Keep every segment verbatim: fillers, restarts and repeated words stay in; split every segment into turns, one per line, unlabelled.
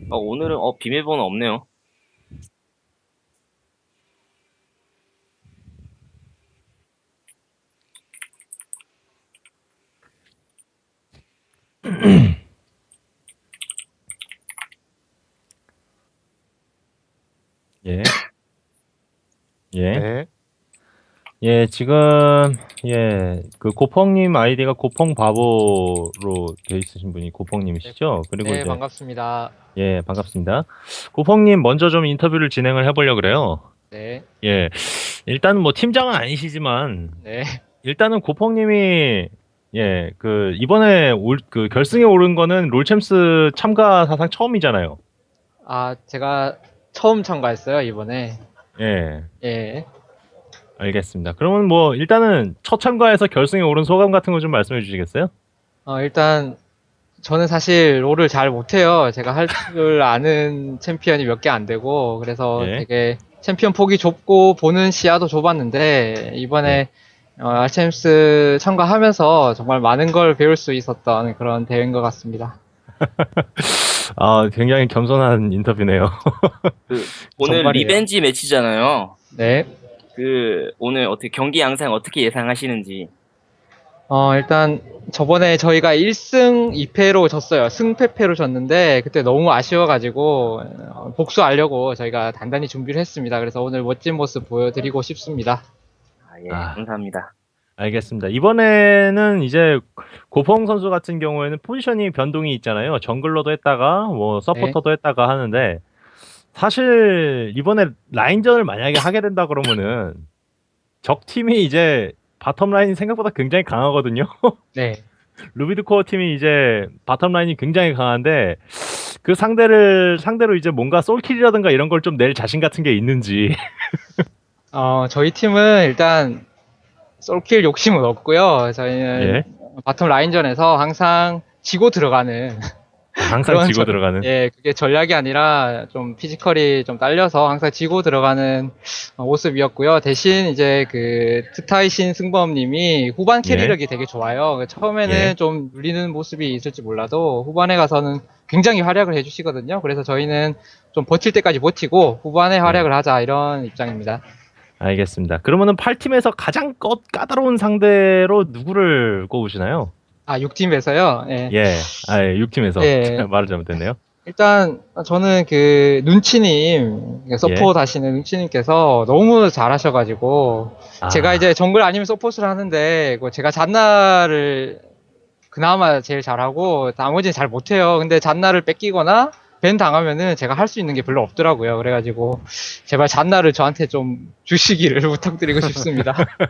어, 오늘은 어, 비밀번호 없네요.
예, 예,
네.
예, 지금, 예, 그 고펑님 아이디가 고펑바보로 돼 있으신 분이
네,
고펑님이시죠? 그리고
네,
이제,
반갑습니다.
예, 반갑습니다. 고펑님 먼저 좀 인터뷰를 진행을 해보려고 그래요.
네,
예, 일단은 뭐 팀장은 아니시지만,
네.
일단은 고펑님이, 예, 그, 이번에 올, 그 결승에 오른 거는 롤챔스 참가 사상 처음이잖아요.
아, 제가 처음 참가했어요, 이번에.
예,
예.
알겠습니다. 그러면 뭐, 일단은 첫 참가에서 결승에 오른 소감 같은 거 좀 말씀해 주시겠어요?
어, 일단, 저는 사실 롤을 잘 못해요. 제가 할 줄 아는 챔피언이 몇 개 안 되고, 그래서
예,
되게 챔피언 폭이 좁고, 보는 시야도 좁았는데,
예.
이번에 어, 알챔스 참가하면서 정말 많은 걸 배울 수 있었던 그런 대회인 것 같습니다.
아, 굉장히 겸손한 인터뷰네요.
그 오늘
정말이에요.
리벤지 매치잖아요.
네.
그 오늘 어떻게 경기 양상 어떻게 예상하시는지.
어, 일단 저번에 저희가 일 승 이 패로 졌어요. 승패패로 졌는데 그때 너무 아쉬워가지고 어, 복수하려고 저희가 단단히 준비를 했습니다. 그래서 오늘 멋진 모습 보여드리고 싶습니다.
아, 예,
아,
감사합니다.
알겠습니다. 이번에는 이제 고펑 선수 같은 경우에는 포지셔닝 변동이 있잖아요. 정글러도 했다가 뭐
네.
서포터도 했다가 하는데 사실 이번에 라인전을 만약에 하게 된다 그러면은 적 팀이 이제 바텀 라인이 생각보다 굉장히 강하거든요.
네.
루비드 코어 팀이 이제 바텀 라인이 굉장히 강한데 그 상대를 상대로 이제 뭔가 솔킬이라든가 이런 걸 좀 낼 자신 같은 게 있는지.
어, 저희 팀은 일단 솔킬 욕심은 없고요. 저희는
예.
바텀 라인전에서 항상 지고 들어가는
아, 항상
그런
지고
전,
들어가는.
예, 그게 전략이 아니라 좀 피지컬이 좀 딸려서 항상 지고 들어가는 어, 모습이었고요. 대신 이제 그 트타이신 승범님이 후반
예.
캐리력이 되게 좋아요. 그
예.
처음에는 좀 눌리는 모습이 있을지 몰라도 후반에 가서는 굉장히 활약을 해주시거든요. 그래서 저희는 좀 버틸 때까지 버티고 후반에
예.
활약을 하자 이런 입장입니다.
알겠습니다. 그러면은 팔 팀에서 가장 꺼, 까다로운 상대로 누구를 꼽으시나요?
아, 육 팀에서요. 예.
예. 아, 예, 육 팀에서.
예.
제가 말을 잘못했네요.
일단 저는 그 눈치님
예.
서포트 하시는 눈치님께서 너무 잘하셔가지고 제가
아,
이제 정글 아니면 서포트를 하는데 그 제가 잔나를 그나마 제일 잘하고 나머지는 잘 못해요. 근데 잔나를 뺏기거나 밴 당하면은 제가 할 수 있는 게 별로 없더라고요. 그래가지고 제발 잔나를 저한테 좀 주시기를 부탁드리고 싶습니다.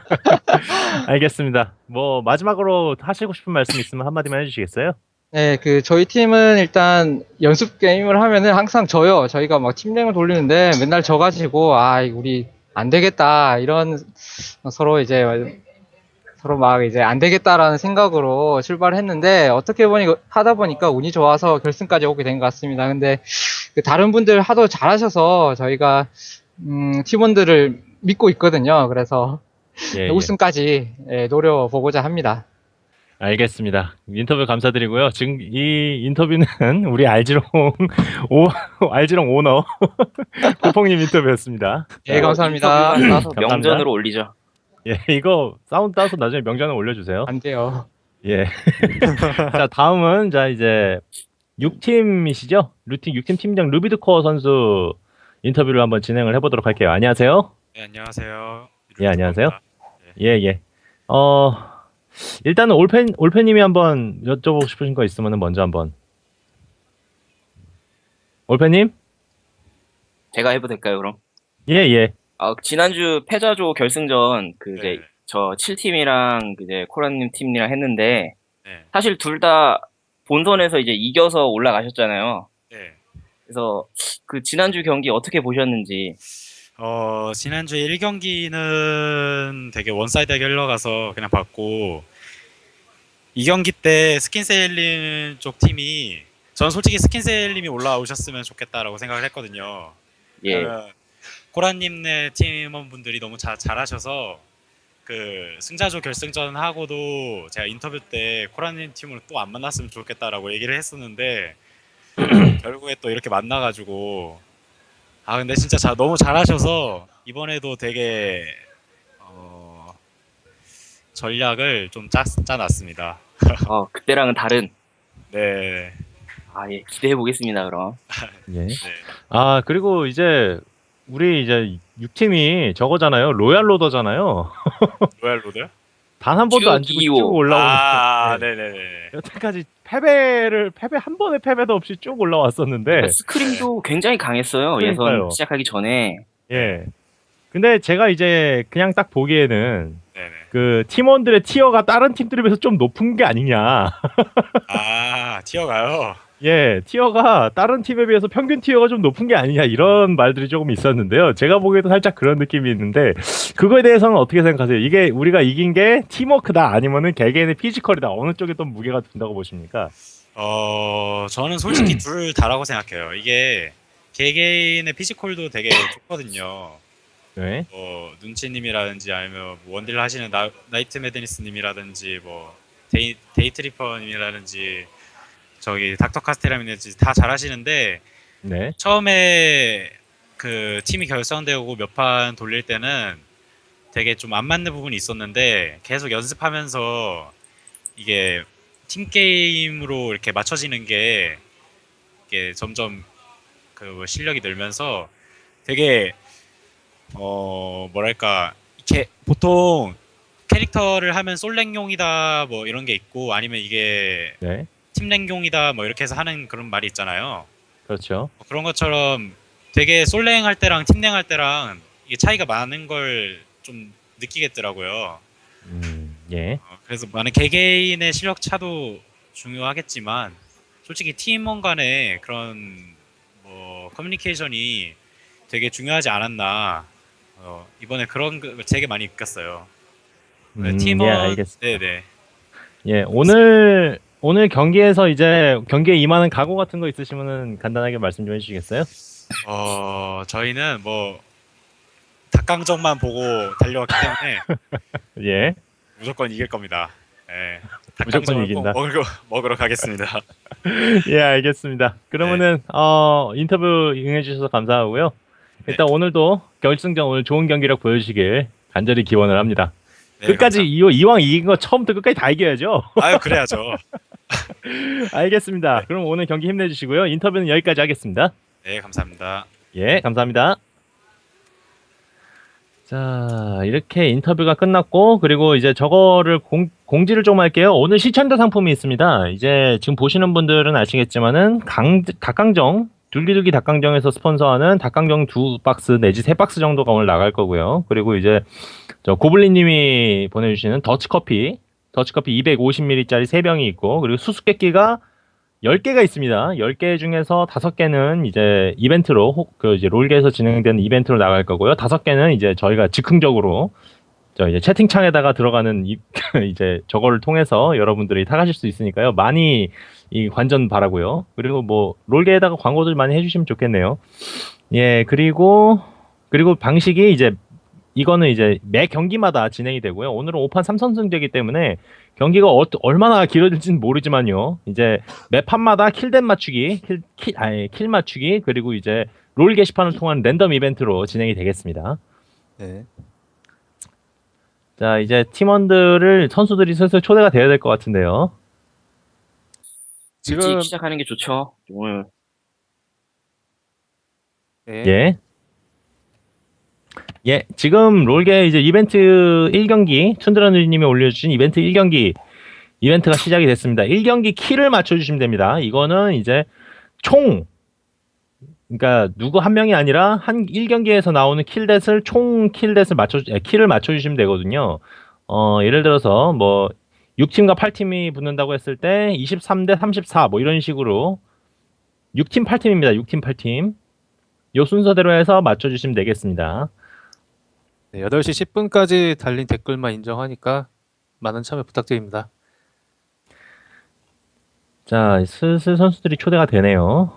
알겠습니다. 뭐 마지막으로 하시고 싶은 말씀 있으면 한마디만 해주시겠어요?
네, 그 저희 팀은 일단 연습 게임을 하면은 항상 져요. 저희가 막 팀랭을 돌리는데 맨날 져가지고 아 우리 안 되겠다 이런 서로 이제 서로 막 이제 안 되겠다라는 생각으로 출발을 했는데 어떻게 보니 하다 보니까 운이 좋아서 결승까지 오게 된 것 같습니다. 근데 그 다른 분들 하도 잘하셔서 저희가 음, 팀원들을 믿고 있거든요. 그래서
예, 예.
우승까지 예, 노려보고자 합니다.
알겠습니다. 인터뷰 감사드리고요. 지금 이 인터뷰는 우리 알지롱 오 알지롱 오너 고펑님 인터뷰였습니다.
예,
자,
이거
감사합니다.
인터뷰만 따서
감사합니다.
명전으로 올리죠.
예, 이거 사운드 따서 나중에 명단에 올려주세요.
안 돼요.
예. 자, 다음은 자 이제 육 팀이시죠? 루팅 육 팀 팀장 루비드코어 선수 인터뷰를 한번 진행을 해보도록 할게요. 안녕하세요.
네, 안녕하세요.
예, 안녕하세요.
루비드코입니다. 네.
예, 예. 어, 일단은 올펜 올펜님이 한번 여쭤보고 싶으신 거 있으면 먼저 한번. 올펜님?
제가 해도 될까요, 그럼?
예, 예.
아, 지난주 패자조 결승전 그 이제
네.
저 칠 팀이랑 이제 코라님 팀이랑 했는데
네.
사실 둘 다 본선에서 이제 이겨서 올라가셨잖아요.
네.
그래서 그 지난주 경기 어떻게 보셨는지.
어, 지난주 일 경기는 되게 원사이드하게 흘러가서 그냥 봤고, 이 경기 때 스킨세일님 쪽 팀이, 저는 솔직히 스킨세일님이 올라오셨으면 좋겠다라고 생각을 했거든요.
예.
왜냐면 코라님네 팀원분들이 너무 자, 잘하셔서 그 승자조 결승전 하고도 제가 인터뷰 때 코라님 팀으로 또 안 만났으면 좋겠다라고 얘기를 했었는데 결국에 또 이렇게 만나가지고 아 근데 진짜 자, 너무 잘하셔서 이번에도 되게 어, 전략을 좀 짜, 짜놨습니다.
어, 그때랑은 다른.
네,
아, 예, 기대해 보겠습니다, 그럼.
예.
네.
아, 그리고 이제 우리 이제 육 팀이 저거잖아요. 로얄 로더잖아요.
로얄 로드?
단 한 번도 안
쭉
지고
이오.
쭉 올라오는.
아,
네.
네네네.
여태까지 패배를 패배 한 번의 패배도 없이 쭉 올라왔었는데.
스크림도 굉장히 강했어요.
그러니까요.
예선 시작하기 전에.
예. 근데 제가 이제 그냥 딱 보기에는
네네.
그 팀원들의 티어가 다른 팀들에 비해서 좀 높은 게 아니냐.
아, 튀어가요?
예, 티어가 다른 팀에 비해서 평균 티어가 좀 높은 게 아니냐 이런 말들이 조금 있었는데요. 제가 보기에도 살짝 그런 느낌이 있는데 그거에 대해서는 어떻게 생각하세요? 이게 우리가 이긴 게 팀워크다 아니면은 개개인의 피지컬이다 어느 쪽에 더 무게가 든다고 보십니까?
어, 저는 솔직히 둘 다라고 생각해요. 이게 개개인의 피지컬도 되게 좋거든요.
네,
뭐 눈치님이라든지 아니면 뭐 원딜 하시는 나, 나이트 매드니스님이라든지 뭐 데이 데이트리퍼님이라든지 저기 닥터 카스테라님이라든지 다 잘하시는데
네,
처음에 그 팀이 결성되고 몇 판 돌릴 때는 되게 좀 안 맞는 부분이 있었는데 계속 연습하면서 이게 팀 게임으로 이렇게 맞춰지는 게 이게 점점 그 실력이 늘면서 되게 어 뭐랄까 이렇게 보통 캐릭터를 하면 솔랭용이다 뭐 이런 게 있고 아니면 이게
네,
팀랭용이다 뭐 이렇게 해서 하는 그런 말이 있잖아요.
그렇죠.
뭐 그런 것처럼 되게 솔랭 할 때랑 팀랭 할 때랑 이게 차이가 많은 걸 좀 느끼겠더라고요.
음, 예,
어, 그래서 많은 개개인의 실력 차도 중요하겠지만 솔직히 팀원 간의 그런 뭐 커뮤니케이션이 되게 중요하지 않았나. 어, 이번에 그런 거 되게 많이 느꼈어요. 네,
음,
팀원
예, 알겠습니다.
네네.
예, 오늘 오늘 경기에서 이제 경기에 임하는 각오 같은 거 있으시면은 간단하게 말씀 좀 해주시겠어요?
어 저희는 뭐 닭강정만 보고 달려왔기 때문에
예,
무조건 이길 겁니다. 예.
무조건
닭강정을 꼭
이긴다.
먹으러, 먹으러 가겠습니다.
예, 알겠습니다. 그러면은 어 인터뷰 응해주셔서 감사하고요. 일단 오늘도 결승전 오늘 좋은 경기력 보여주시길 간절히 기원을 합니다.
네,
끝까지
감사합니다.
이, 이왕 이긴 거 처음부터 끝까지 다 이겨야죠.
아유 그래야죠.
알겠습니다. 그럼 오늘 경기 힘내주시고요. 인터뷰는 여기까지 하겠습니다.
네 감사합니다.
예, 감사합니다. 자, 이렇게 인터뷰가 끝났고, 그리고 이제 저거를 공, 공지를 좀 할게요. 오늘 시청자 상품이 있습니다. 이제 지금 보시는 분들은 아시겠지만은, 강, 닭강정, 둘기둘기 닭강정에서 스폰서하는 닭강정 두 박스 내지 세 박스 정도가 오늘 나갈 거고요. 그리고 이제, 저 고블린 님이 보내주시는 더치커피, 더치커피 이백오십 밀리리터짜리 세 병이 있고, 그리고 수수께끼가 열 개가 있습니다. 열 개 중에서 다섯 개는 이제 이벤트로, 혹, 그 이제 롤계에서 진행되는 이벤트로 나갈 거고요. 다섯 개는 이제 저희가 즉흥적으로 저 이제 채팅창에다가 들어가는 이, 이제 저거를 통해서 여러분들이 타가실 수 있으니까요. 많이 이 관전 바라고요. 그리고 뭐 롤계에다가 광고들 많이 해주시면 좋겠네요. 예, 그리고 그리고 방식이 이제 이거는 이제 매 경기마다 진행이 되고요. 오늘은 오 판 삼 선승제이기 때문에 경기가 어, 얼마나 길어질지는 모르지만요. 이제 매 판마다 킬댓 맞추기, 킬, 킬, 아니, 킬 맞추기, 그리고 이제 롤 게시판을 통한 랜덤 이벤트로 진행이 되겠습니다.
네.
자, 이제 팀원들을, 선수들이 슬슬 초대가 돼야 될 것 같은데요.
일찍
지금
시작하는 게 좋죠. 오늘
네.
예. 예, 지금 롤게 이제 이벤트 일 경기, 툰드라누리님이 올려주신 이벤트 일 경기, 이벤트가 시작이 됐습니다. 일 경기 킬을 맞춰주시면 됩니다. 이거는 이제 총, 그러니까 누구 한 명이 아니라 한 일 경기에서 나오는 킬댓을 총 킬댓을 맞춰, 에, 킬을 맞춰주시면 되거든요. 어, 예를 들어서 뭐 육 팀과 팔 팀이 붙는다고 했을 때 이십삼 대 삼십사 뭐 이런 식으로 육 팀 팔 팀입니다. 육 팀 팔 팀. 요 순서대로 해서 맞춰주시면 되겠습니다.
네, 여덟 시 십 분까지 달린 댓글만 인정하니까 많은 참여 부탁드립니다.
자, 슬슬 선수들이 초대가 되네요.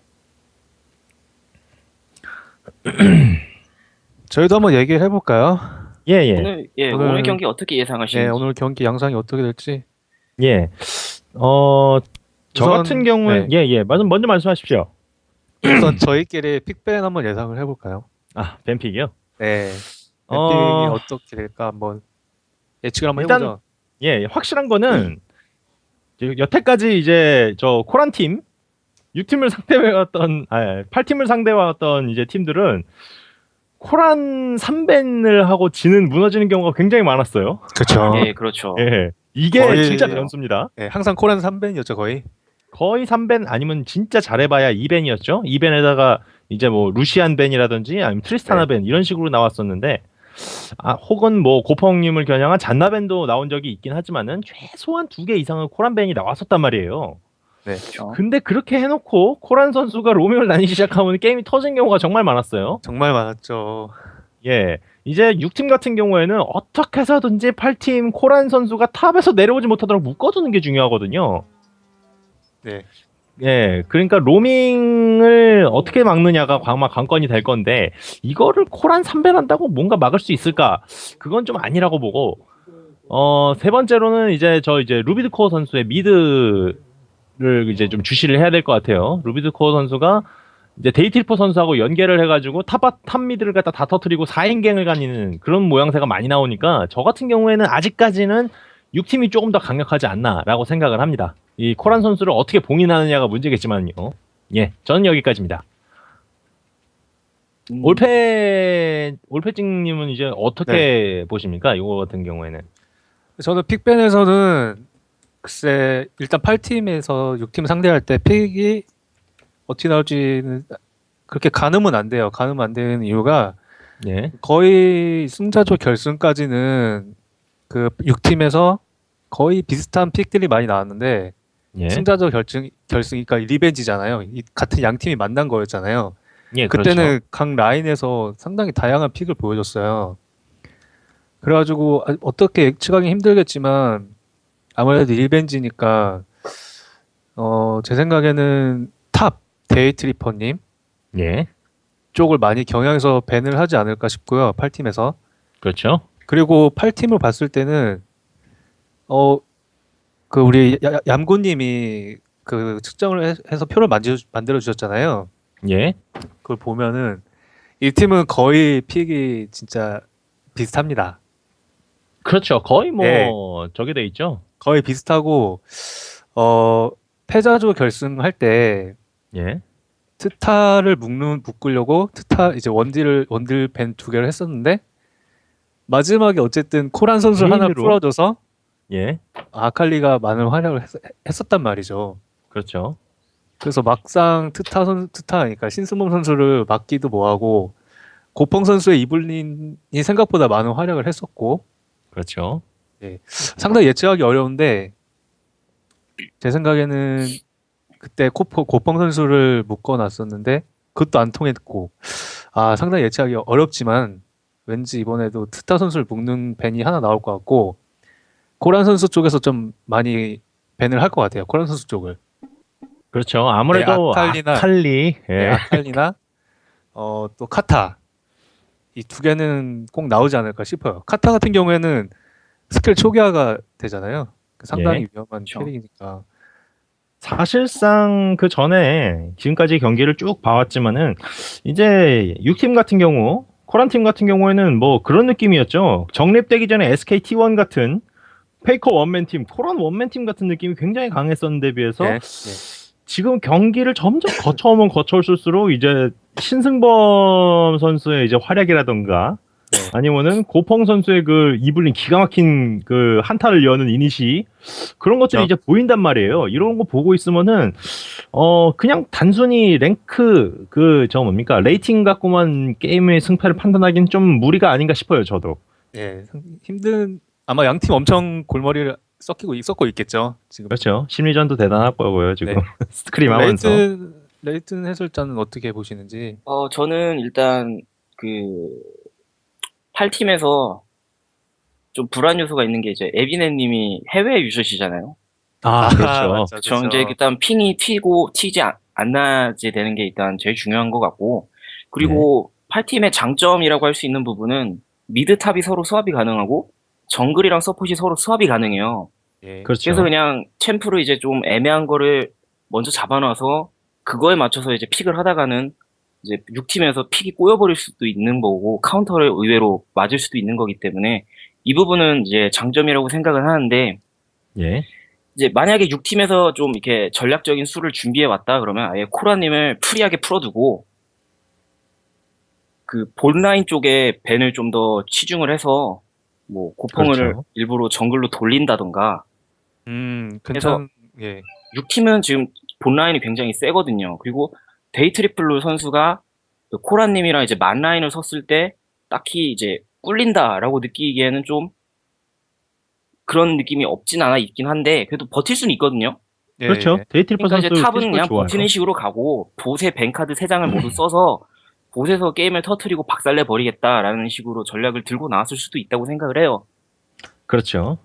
저희도 한번 얘기를 해볼까요?
예, 예.
오늘 예
오늘-
오늘 경기 어떻게
네,
예상하시는지.
오늘 경기 양상이 어떻게 될지.
예. 어, 저
우선,
같은 경우에
네.
예, 예. 먼저, 먼저 말씀하십시오.
우선 저희끼리 픽밴 한번 예상을 해볼까요?
아, 뱀픽이요?
네. 뱀픽이
어,
어... 떻게 될까 한번 예측을 한번
일단
해보죠.
예, 확실한 거는 이제 여태까지 이제 저 코란 팀 육 팀을 상대해왔던 아, 팔 팀을 상대해왔던 이제 팀들은 코란 삼 밴을 하고 지는 무너지는 경우가 굉장히 많았어요.
그렇죠.
예, 그렇죠.
예. 이게
거의-
진짜 변수입니다.
네, 항상 코란 삼 밴이었죠 거의.
거의 삼 밴 아니면 진짜 잘해봐야 이 밴이었죠. 이 밴에다가 이제 뭐 루시안 밴이라든지 아니면 트리스타나
네.
밴 이런 식으로 나왔었는데 아 혹은 뭐 고펑님을 겨냥한 잔나 밴도 나온 적이 있긴 하지만은 최소한 두 개 이상은 코란 밴이 나왔었단 말이에요.
네.
그렇죠.
근데 그렇게 해놓고 코란 선수가 로밍을 다니기 시작하면 게임이 터진 경우가 정말 많았어요.
정말 많았죠.
예. 이제 육 팀 같은 경우에는 어떻게 해서든지 팔 팀 코란 선수가 탑에서 내려오지 못하도록 묶어두는 게 중요하거든요.
네.
예. 그러니까 로밍을 어떻게 막느냐가 아마 관건이 될 건데 이거를 코란 삼 밴 한다고 뭔가 막을 수 있을까? 그건 좀 아니라고 보고 어, 세 번째로는 이제 저 이제 루비드 코어 선수의 미드를 이제 좀 주시를 해야 될 것 같아요. 루비드 코어 선수가 이제 데이트리퍼 선수하고 연계를 해가지고 탑, 탑 미드를 갖다 다 터트리고 사 인갱을 가니는 그런 모양새가 많이 나오니까 저 같은 경우에는 아직까지는 육 팀이 조금 더 강력하지 않나라고 생각을 합니다. 이 코란 선수를 어떻게 봉인하느냐가 문제겠지만요. 예, 저는 여기까지입니다.
음,
올페 올페찡님은 이제 어떻게
네.
보십니까? 이거 같은 경우에는
저는 픽밴에서는 글쎄 일단 팔 팀에서 육 팀 상대할 때 픽이 어떻게 나올지는 그렇게 가늠은 안 돼요. 가늠 안 되는 이유가
예,
거의 승자조 결승까지는 그 육 팀에서 거의 비슷한 픽들이 많이 나왔는데
예,
승자조 결승 결승이니까 리벤지잖아요. 이 같은 양 팀이 만난 거였잖아요.
예,
그때는
그렇죠.
각 라인에서 상당히 다양한 픽을 보여줬어요. 그래가지고 아, 어떻게 예측하기 힘들겠지만 아무래도 리벤지니까 어, 제 생각에는 탑 데이트리퍼님
예,
쪽을 많이 경향해서 밴을 하지 않을까 싶고요. 팔 팀에서.
그렇죠.
그리고 팔 팀을 봤을 때는 어 그 우리 야- 야- 얌고님이 그 측정을 해- 해서 표를 만들어, 만들어 주셨잖아요.
예,
그걸 보면은 이 팀은 거의 픽이 진짜 비슷합니다.
그렇죠. 거의 뭐
예.
저게 돼 있죠.
거의 비슷하고 어 패자조 결승할 때
예,
트타를 묶는 묶으려고 트타 이제 원딜을 원딜 밴 두 개를 했었는데 마지막에 어쨌든 코란 선수 하나
개인으로?
풀어줘서
예,
아칼리가 많은 활약을 했, 했었단 말이죠.
그렇죠.
그래서 막상 트타 선 트타 그러니까 신승범 선수를 막기도 뭐하고 고펑 선수의 이블린이 생각보다 많은 활약을 했었고
그렇죠.
상당히 예측하기 어려운데 제 생각에는 그때 코포, 고펑 선수를 묶어놨었는데 그것도 안 통했고 아 상당히 예측하기 어렵지만 왠지 이번에도 트타 선수를 묶는 밴이 하나 나올 것 같고 코란 선수 쪽에서 좀 많이 밴을 할 것 같아요. 코란 선수 쪽을.
그렇죠. 아무래도
네, 아칼리나-
아칼리, 예,
네, 아칼리나 어, 또 카타 이 두 개는 꼭 나오지 않을까 싶어요. 카타 같은 경우에는 스킬 초기화가 되잖아요. 상당히
예.
위험한
그렇죠.
캐릭이니까.
사실상 그 전에 지금까지 경기를 쭉 봐왔지만은 이제 육 팀 같은 경우 코란 팀 같은 경우에는 뭐 그런 느낌이었죠. 정립되기 전에 에스케이티 원 같은 페이커 원맨 팀, 코란 원맨 팀 같은 느낌이 굉장히 강했었는데 비해서
네,
지금 경기를 점점 거쳐오면 거쳐올수록 이제 신승범 선수의 이제 활약이라던가
네.
아니면은 고펑 선수의 그 이블린 기가 막힌 그 한타를 여는 이니시 그런 것들이
어.
이제 보인단 말이에요. 이런 거 보고 있으면은 어 그냥 단순히 랭크 그 저 뭡니까 레이팅 갖고만 게임의 승패를 판단하기는 좀 무리가 아닌가 싶어요. 저도.
네, 상- 힘든 아마 양 팀 엄청 골머리를 썩히고 썩고 있겠죠. 지금
그렇죠. 심리전도 대단할 거고요. 지금
네.
스크림 하면서.
레이튼 레이튼 해설자는 어떻게 보시는지.
어, 저는 일단 그 팔 팀에서 좀 불안 요소가 있는 게 이제 에비네님이 해외 유저시잖아요.
아, 그렇죠.
맞죠,
그렇죠.
그렇죠.
이제 일단 핑이 튀고 튀지 안, 안 나지 되는 게 일단 제일 중요한 것 같고, 그리고 팔 팀의 장점이라고 할 수 있는 부분은 미드 탑이 서로 수합이 가능하고 정글이랑 서폿이 서로 수합이 가능해요.
예.
그렇죠.
그래서 그냥 챔프를 이제 좀 애매한 거를 먼저 잡아놔서 그거에 맞춰서 이제 픽을 하다가는 이제 육 팀에서 픽이 꼬여버릴 수도 있는 거고 카운터를 의외로 맞을 수도 있는 거기 때문에 이 부분은 이제 장점이라고 생각을 하는데
예.
이제 만약에 육 팀에서 좀 이렇게 전략적인 수를 준비해 왔다 그러면 아예 코라님을 프리하게 풀어두고 그 본라인 쪽에 벤을 좀 더 치중을 해서 뭐 고펑을
그렇죠.
일부러 정글로 돌린다던가
음, 괜찮, 예.
육 팀은 지금 본라인이 굉장히 세거든요. 그리고 데이트리플루 선수가 그 코라님이랑 이제 만라인을 섰을 때 딱히 이제 꿀린다라고 느끼기에는 좀 그런 느낌이 없진 않아 있긴 한데 그래도 버틸 수는 있거든요.
예,
그렇죠.
예.
데이트리퍼
그러니까 이제
선수
탑은
피지컬
그냥
좋아요.
버티는 식으로 가고 보세 뱅카드 세 장을 모두 써서 보세에서 게임을 터트리고 박살내 버리겠다라는 식으로 전략을 들고 나왔을 수도 있다고 생각을 해요.
그렇죠.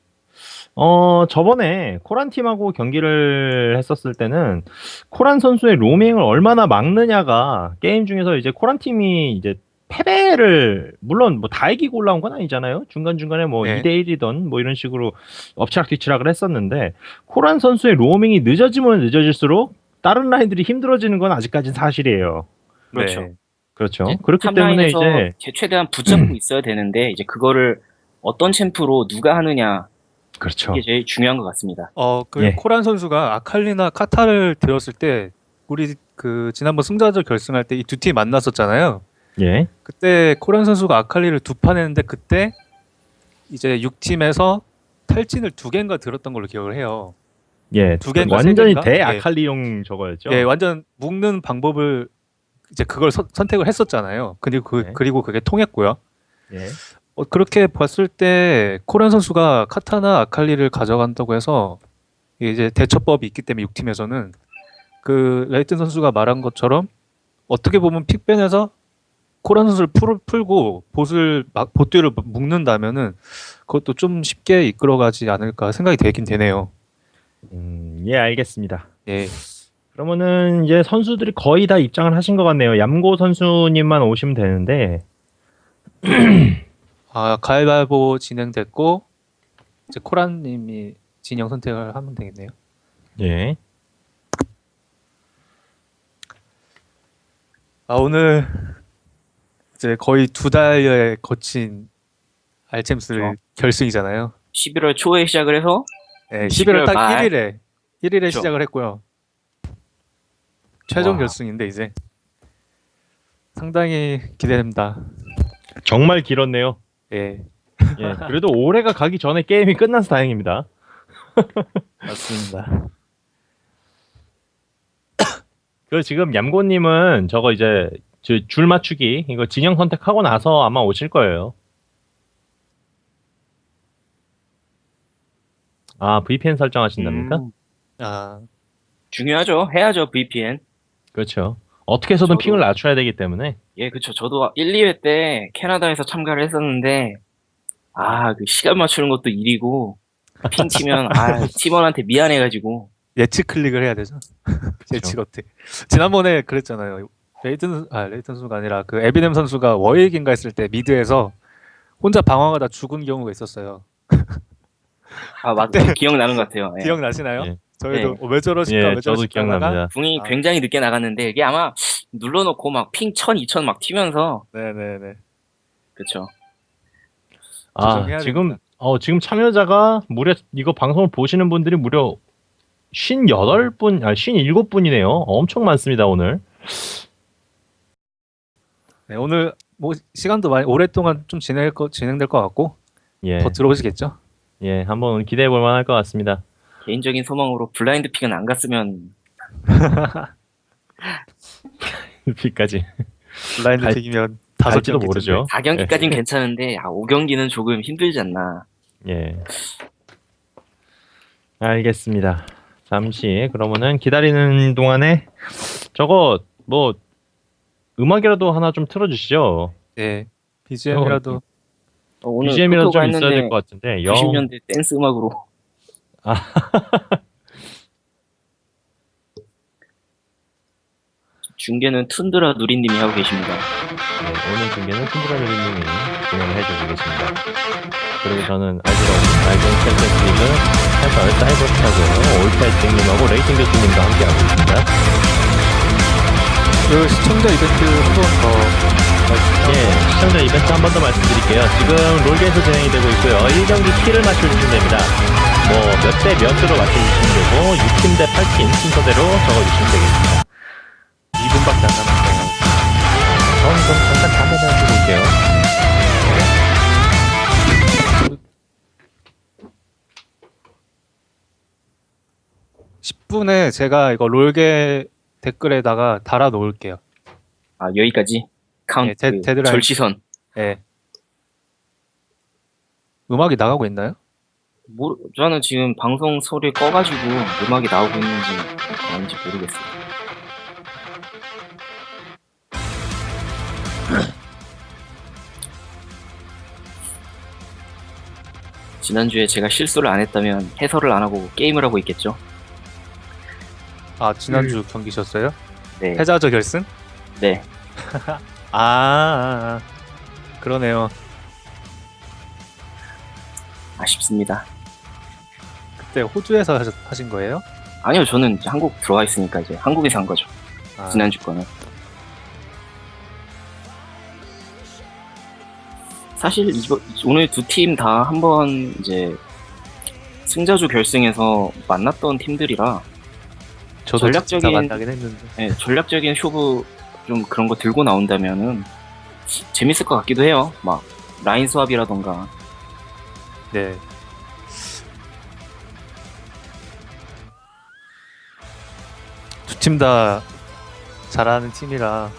어, 저번에 코란 팀하고 경기를 했었을 때는 코란 선수의 로밍을 얼마나 막느냐가 게임 중에서 이제 코란 팀이 이제 패배를 물론 뭐 다 이기고 올라온 건 아니잖아요. 중간중간에 뭐
네.
이 대 일이던 뭐 이런 식으로 엎치락뒤치락을 했었는데 코란 선수의 로밍이 늦어지면 늦어질수록 다른 라인들이 힘들어지는 건 아직까지는 사실이에요.
그렇죠.
네.
그렇죠.
이제
그렇기 때문에
탑라인에서
이제
제- 최대한 붙잡고 있어야 되는데 이제 그거를 어떤 챔프로 누가 하느냐
그렇죠.
이게 제일 중요한 것 같습니다.
어, 그
예.
코란 선수가 아칼리나 카타를 들었을 때 우리 그 지난번 승자전 결승할 때 이 두 팀 만났었잖아요.
예.
그때 코란 선수가 아칼리를 두 판 했는데 그때 이제 육 팀에서 탈진을 두 개인가 들었던 걸로 기억을 해요.
예.
두 개인가 세
완전히
개인가?
대아칼리용 저거였죠.
예, 완전 묶는 방법을 이제 그걸 서- 선택을 했었잖아요. 그리고 그
네.
그리고 그게 통했고요.
예.
어, 그렇게 봤을 때 코란 선수가 카타나 아칼리를 가져간다고 해서 이제 대처법이 있기 때문에 육 팀에서는 그 레이튼 선수가 말한 것처럼 어떻게 보면 픽변에서 코란 선수를 풀, 풀고 보스를 막 보트를 묶는다면은 그것도 좀 쉽게 이끌어가지 않을까 생각이 되긴 되네요.
음, 예, 알겠습니다.
예.
그러면은 이제 선수들이 거의 다 입장을 하신 것 같네요. 얌고 선수님만 오시면 되는데,
아, 가위바위보 진행됐고 이제 코란님이 진영 선택을 하면 되겠네요.
예.
아, 오늘 이제 거의 두 달여에 거친 알챔스
그렇죠.
결승이잖아요.
십일월 초에 시작을 해서
네,
십일월
십일월 딱
말.
일 일에 일 일에
그렇죠.
시작을 했고요. 최종
와.
결승인데 이제 상당히 기대됩니다.
정말 길었네요.
예,
예. 그래도 올해가 가기 전에 게임이 끝나서 다행입니다.
맞습니다.
그 지금 얌고님은 저거 이제 저 줄 맞추기 이거 진영 선택하고 나서 아마 오실 거예요. 아, 브이피엔 설정하신답니까?
음,
아,
중요하죠. 해야죠 브이피엔.
그렇죠. 어떻게 해서든
저도-
핑을 낮춰야 되기 때문에.
예, 그쵸. 저도 일, 이 회 때 캐나다에서 참가를 했었는데, 아, 그 시간 맞추는 것도 일이고, 핑 치면, 아, 팀원한테 미안해가지고,
예측 클릭을 해야 되죠. 예측 어떻게? 지난번에 그랬잖아요. 레이튼 아 레이튼 선수가 아니라 그 에비넴 선수가 워일긴가 했을 때 미드에서 혼자 방황하다 죽은 경우가 있었어요.
아, 맞, 기억나는 것 같아요. 예.
기억나시나요?
예.
저희도
네.
어, 왜 저러실까
예,
왜
저도
저러실까 하다가
기억납니다.
궁이
아.
굉장히 늦게 나갔는데, 이게 아마 눌러놓고 막 핑 천, 이천 막 튀면서,
네네네.
그쵸.
아,
조정해야
지금
됩니다.
어 지금 참여자가 무려 이거 방송을 보시는 분들이 무려 오십팔 분, 아 오십칠 분이네요. 엄청 많습니다, 오늘.
네, 오늘 뭐 시간도 많이 오랫동안 좀 진행될 거 진행될 것 같고
예.
더 들어오시겠죠?
예, 한번 기대해 볼 만할 것 같습니다.
개인적인 소망으로 블라인드 픽은 안 갔으면,
비까지.
블라인드
갈-
픽이면 다섯
갈지도
경기
모르죠.
사 경기까지는 괜찮은데, 아, 오 경기는 조금 힘들지 않나.
예. 알겠습니다. 잠시 그러면은 기다리는 동안에 저거 뭐 음악이라도 하나 좀 틀어주시죠.
네. 비지엠이라도
어, 오늘
비지엠이라도 좀
토크가
있어야 될
했는데,
것 같은데. 영.
구십 년대 댄스 음악으로. 중계는 툰드라 누리님이 하고 계십니다.
네, 오늘 중계는 쿤드라누리님이 진행을 해주고 계십니다. 그리고 저는 알지로 알지로 챔피언스 리그 해설 사이버스타고 올파이팅님하고 레이팅 교수님과 함께하고 있습니다.
그 시청자 이벤트 한 번 더
예, 시청자 이벤트 한 번 더 말씀드릴게요. 지금 롤게에서 진행이 되고 있고요. 일 경기 키를 맞춰주시면 됩니다. 뭐 몇 대 몇으로 맞춰주시면 되고 육 팀 대 팔 팀 순서대로 적어주시면 되겠습니다.
이 분밖에 안 남았어요.
저는 그럼 잠깐 담배 하나 피고 올게요.
십 분에 제가 이거 롤게 댓글에다가 달아 놓을게요.
아 여기까지 카운트
네, 데- 데드라인.
절시선.
예. 음악이 나가고 있나요?
모르, 저는 지금 방송 소리 꺼가지고 음악이 나오고 있는지 아닌지 모르겠어요. 지난주에 제가 실수를 안 했다면 해설을 안 하고 게임을 하고 있겠죠?
아, 지난주 경기셨어요?
네.
패자저 결승?
네.
아, 아, 아. 그러네요.
아쉽습니다.
그때 호주에서 하셨, 하신 거예요?
아니요, 저는 이제 한국 들어와 있으니까 이제 한국에서 한 거죠.
아,
지난주 거는. 사실 이거 오늘 두 팀 다 한번 이제 승자조 결승에서 만났던 팀들이라
저도
전략적인-
진짜 만나긴 했는데.
예, 전략적인 쇼부 좀 그런 거 들고 나온다면은 재밌을 것 같기도 해요. 막 라인 수합이라던가.
네. 두 팀 다 잘하는 팀이라.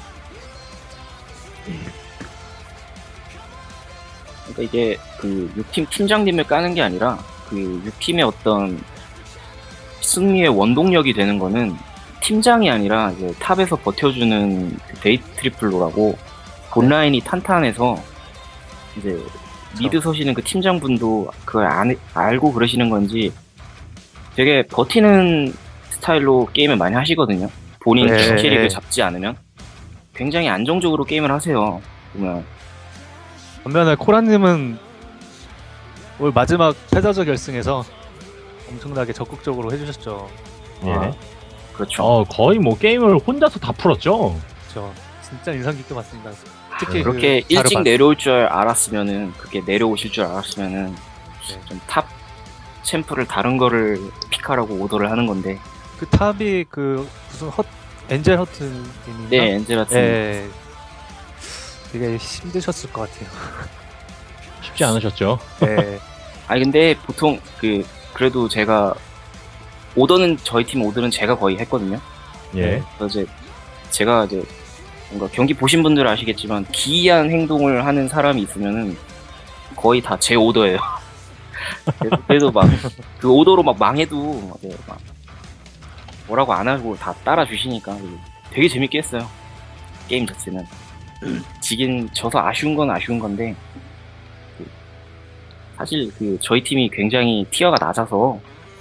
그러니까 이게 그 육 팀 팀장님을 까는 게 아니라 그 육 팀의 어떤 승리의 원동력이 되는 거는 팀장이 아니라 이제 탑에서 버텨주는 그 데이트 트리플로라고 본라인이 탄탄해서 이제 미드 서시는 그 팀장분도 그걸 안, 알고 그러시는 건지 되게 버티는 스타일로 게임을 많이 하시거든요. 본인
네.
주 캐릭을 잡지 않으면 굉장히 안정적으로 게임을 하세요. 보면
반면에 코라님은 올 마지막 패자저 결승에서 엄청나게 적극적으로 해주셨죠.
예.
아, 그렇죠.
어, 거의 뭐 게임을 혼자서 다 풀었죠.
그렇죠. 진짜 인상 깊게 봤습니다. 특히
그렇게
그
일찍
자르반.
내려올 줄 알았으면은 그렇게 내려오실 줄 알았으면은
네.
좀 탑 챔프를 다른 거를 픽하라고 오더를 하는 건데
그 탑이 그 무슨 헛 엔젤 허트님인가?
네 엔젤라트
네. 되게 힘드셨을 것 같아요.
쉽지 않으셨죠.
네.
아니 근데 보통 그 그래도 제가 오더는 저희 팀 오더는 제가 거의 했거든요.
예.
그래서 이제 제가 이제 뭔가 경기 보신 분들은 아시겠지만 기이한 행동을 하는 사람이 있으면은 거의 다 제 오더예요. 그래도- 그래도 막 그 오더로 막 망해도 이제 막 뭐라고 안 하고 다 따라 주시니까 되게 재밌게 했어요. 게임 자체는 지긴 져서 아쉬운 건 아쉬운 건데 그 사실 그 저희 팀이 굉장히 티어가 낮아서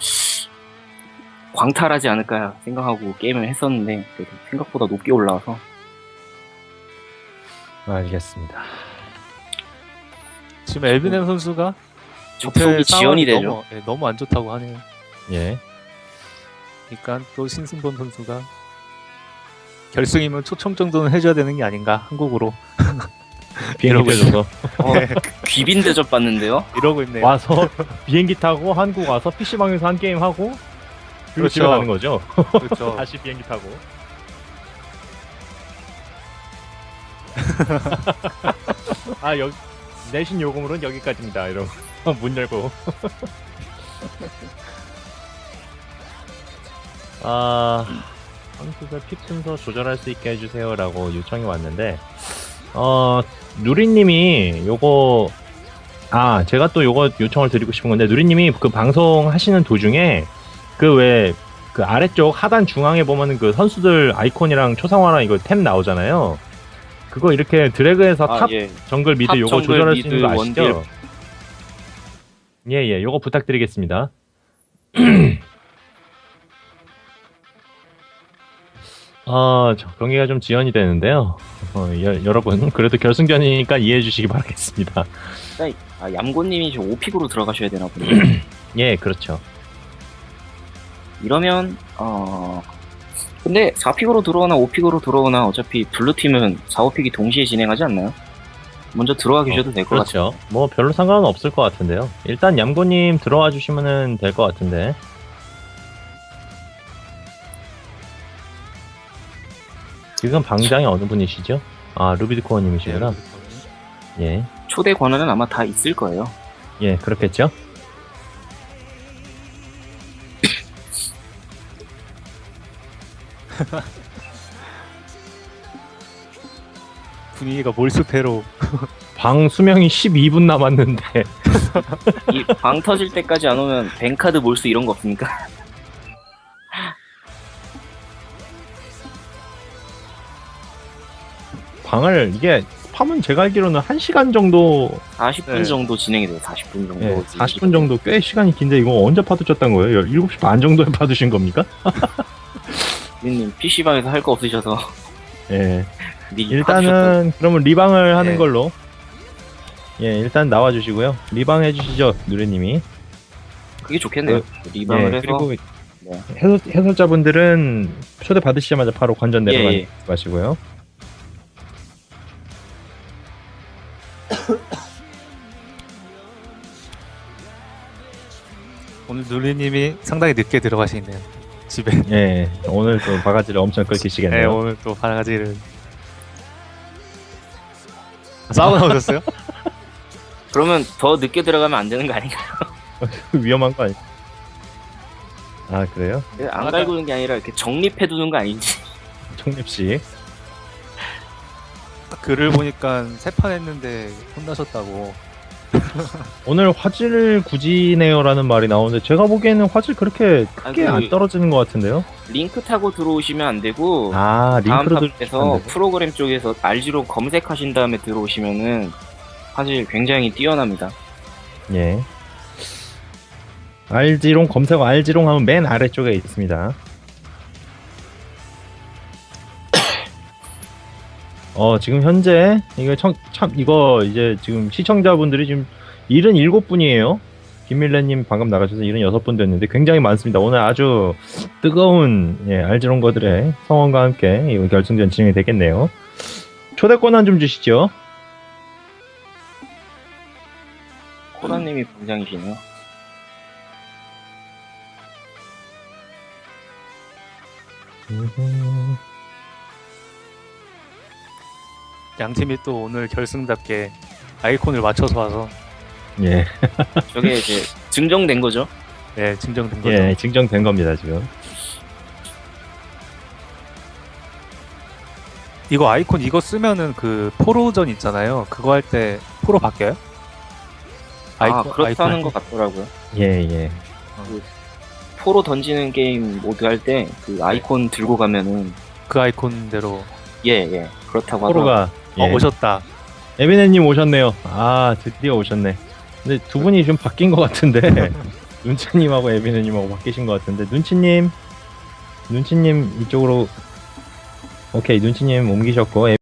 광탈하지 않을까 생각하고 게임을 했었는데 그래도 생각보다 높게 올라와서
알겠습니다.
지금 엘비넴 선수가
접속이
밑에
지연이
상황이
되죠.
너무, 예, 너무 안 좋다고 하네요.
예.
그러니까 또 신승범 선수가 결승이면 초청 정도는 해줘야 되는 게 아닌가 한국으로
비행기
이러고
펴줘서
어, 귀빈 대접 받는데요.
이러고 있네요.
와서 비행기 타고 한국 와서 피시방에서 한 게임 하고 그리고 집에
그렇죠.
가는 거죠.
그렇죠.
다시 비행기 타고. 아, 여기 내신 요금으로는 여기까지입니다. 이러고 문 열고. 아, 선수들 픽 순서 조절할 수 있게 해주세요라고 요청이 왔는데, 어, 누리님이 요거, 아, 제가 또 요거 요청을 드리고 싶은 건데, 누리님이 그 방송 하시는 도중에 그 왜, 그 아래쪽 하단 중앙에 보면은 그 선수들 아이콘이랑 초상화랑 이거 템 나오잖아요. 그거 이렇게 드래그해서
아,
탑
예.
정글 미드
탑
요거
정글
조절할 수
미드
있는 거 아시죠?
원딜.
예, 예, 요거 부탁드리겠습니다. 아, 저 경기가 좀 지연이 되는데요. 어, 여, 여러분 그래도 결승전이니까 이해해 주시기 바라겠습니다.
그러니까 아, 얌고님이 지금 오픽으로 들어가셔야 되나 보네.
예, 그렇죠.
이러면 어 근데 사 픽으로 들어오나 오 픽으로 들어오나 어차피 블루팀은 사, 오 픽이 동시에 진행하지 않나요? 먼저 들어가 계셔도 될 것 같아요.
그렇죠. 뭐 별로 상관은 없을 것 같은데요. 일단 얌고님 들어와 주시면은 될 것 같은데. 지금 방장이 어느 분이시죠? 아, 루비드코어님이시구나. 예,
초대 권한은 아마 다 있을 거예요.
예, 그렇겠죠.
분위기가 몰수패로
방 수명이 십이 분 남았는데
이 방 터질 때까지 안 오면 뱅카드 몰수 이런 거 없습니까?
방을 이게 파면 제가 알기로는 한 시간 정도,
사십 분
네.
정도 진행이 돼요. 사십 분 정도.
예, 사십 분 정도 꽤 시간이 긴데 이거 언제 파두셨던 거예요? 일곱 시 반 정도에 파두신 겁니까?
님 피시방에서 할 거 없으셔서
예.
미리 파주셨던-
일단은 그러면 리방을 하는
네.
걸로. 예, 일단 나와 주시고요. 리방 해 주시죠, 누레님이.
그게 좋겠네요. 리방을
예,
해서
그리고
네.
해설, 해설자분들은 초대 받으시자마자 바로 관전
예,
내려가는
예.
마시고요.
오늘 누리님이 상당히 늦게 들어가시네요. 집에.
예, 오늘 또 바가지를 엄청
네,
끓이시겠네요.
오늘 또 바가지를 싸우고 나오셨어요?
그러면 더 늦게 들어가면 안 되는 거 아닌가요?
위험한 거 아니? 아, 그래요?
안 갈구는 게 아니라 이렇게 정립해 두는 거 아닌지.
청립씨.
딱 글을 보니까 세 판 했는데 혼나셨다고.
오늘 화질 굳이 내요라는 말이 나오는데 제가 보기에는 화질 그렇게 크게
아, 그-
안 떨어지는 것 같은데요?
링크 타고 들어오시면 안 되고
아,
다음
링크로
탑에서
들으시면
프로그램 쪽에서 알지로 검색하신 다음에 들어오시면은 사실 굉장히 뛰어납니다.
예. 알지롱 검색 알지롱 하면 맨 아래쪽에 있습니다. 어, 지금 현재 이거 참, 참 이거 이제 지금 시청자분들이 지금 칠십칠 분이에요. 김밀래님 방금 나가셔서 칠십육 분 됐는데 굉장히 많습니다. 오늘 아주 뜨거운 예, 알지롱거들의 성원과 함께 이 결승전 진행이 되겠네요. 초대 권한 좀 주시죠.
코라님이 분장이시네요.
양 팀이 또 오늘 결승답게 아이콘을 맞춰서 와서
예,
저게 이제 증정된 거죠.
예, 증정된 거죠.
예, 증정된 겁니다 지금.
이거 아이콘 이거 쓰면은 그 포로전 있잖아요. 그거 할 때 포로 바뀌어요?
아 그렇다는 것 같더라고요.
예, 예.
포로 던지는 게임 모드 할 때 그 아이콘 들고 가면은
그 아이콘대로
예예 그렇다고 하더라고요.
포로가
어,
예.
오셨다.
에비네님 오셨네요. 아, 드디어 오셨네. 근데 두 분이 좀 바뀐 것 같은데 눈치님하고 에비네님하고 바뀌신 것 같은데 눈치님, 눈치님 이쪽으로 오케이 눈치님 옮기셨고